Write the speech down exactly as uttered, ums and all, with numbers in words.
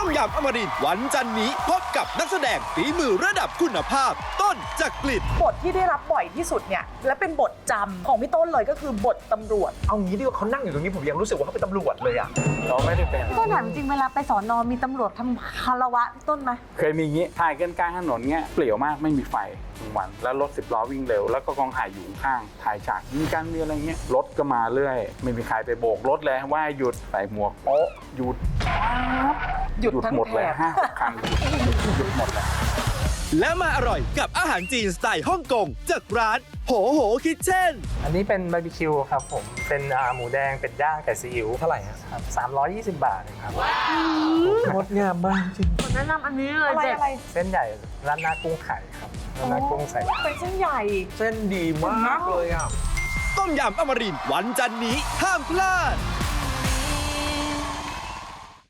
ยำอมรินทร์วันจันนี้พบกับนักแสดงฝีมือระดับคุณภาพต้นจักริดบทที่ได้รับบ่อยที่สุดเนี่ยและเป็นบทจำของพี่ต้นเลยก็คือบทตำรวจเอางี้ดีกว่าเขานั่งอยู่ตรงนี้ผมยังรู้สึกว่าเขาเป็นตำรวจเลยอ่ะเราไม่ได้เป็นพี่ต้นถามจริงเวลาไปสอนอมีตำรวจทำคารวะพี่ต้นไหมเคยมีงี้ถ่ายกันกลางถนนเงี้ยเปลี่ยวมากไม่มีไฟกลางวันแล้วรถสิบล้อวิ่งเร็วแล้วก็กองถ่ายอยู่ข้างถ่ายฉากมีการมีอะไรเงี้ยรถก็มาเรื่อยไม่มีใครไปโบกรถเลยว่าหยุดใส่หมวกโป๊ะหยุดหยุดทั้งหมดเลยแถบห้าคันหยุดหมดเลยและมาอร่อยกับอาหารจีนสไตล์ฮ่องกงจากร้านโหโหคิทเช่นอันนี้เป็นบาร์บีคิวครับผมเป็นหมูแดงเป็ดย่างไก่ซีอิ๊วเท่าไหร่ฮะครับสามร้อยยี่สิบบาทเองครับงดงามมากจริงแนะนำอันนี้เลยอะไรเด็ดอะไรเส้นใหญ่ร้านหน้ากุ้งไข่ครับร้านหน้ากุ้งใส่เป็นเส้นใหญ่เส้นดีมากเลยอ่ะต้มยำอมรินทร์วันจันนี้ห้ามพลาด